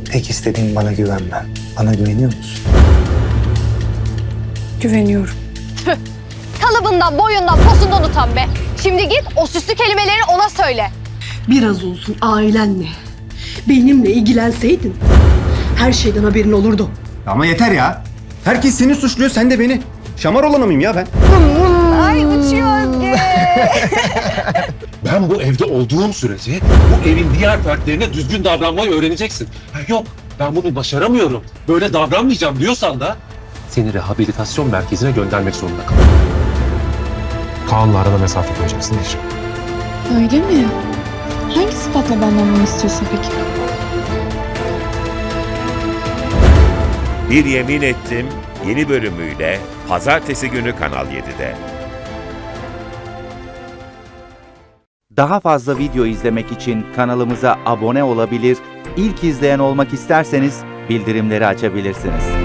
Tek istediğim bana güvenmen. Bana güveniyor musun? Güveniyorum. Kalıbından, boyundan, posundan utan be. Şimdi git o süslü kelimeleri ona söyle. Biraz olsun ailenle, benimle ilgilenseydin her şeyden haberin olurdu. Ama yeter ya. Herkes seni suçluyor, sen de beni. Şamar olanı mıyım ya ben? Ay uçuyor Özge. Ben bu evde olduğum sürece bu evin diğer fertlerine düzgün davranmayı öğreneceksin. Ha, yok, ben bunu başaramıyorum, böyle davranmayacağım diyorsan da seni rehabilitasyon merkezine göndermek zorunda kalırım. Kaan'la arada mesafe koyacaksın Necip. Öyle mi? Hangi sıfatla benden bunu istiyorsun peki? Bir Yemin Ettim yeni bölümüyle Pazartesi günü Kanal 7'de. Daha fazla video izlemek için kanalımıza abone olabilir, ilk izleyen olmak isterseniz bildirimleri açabilirsiniz.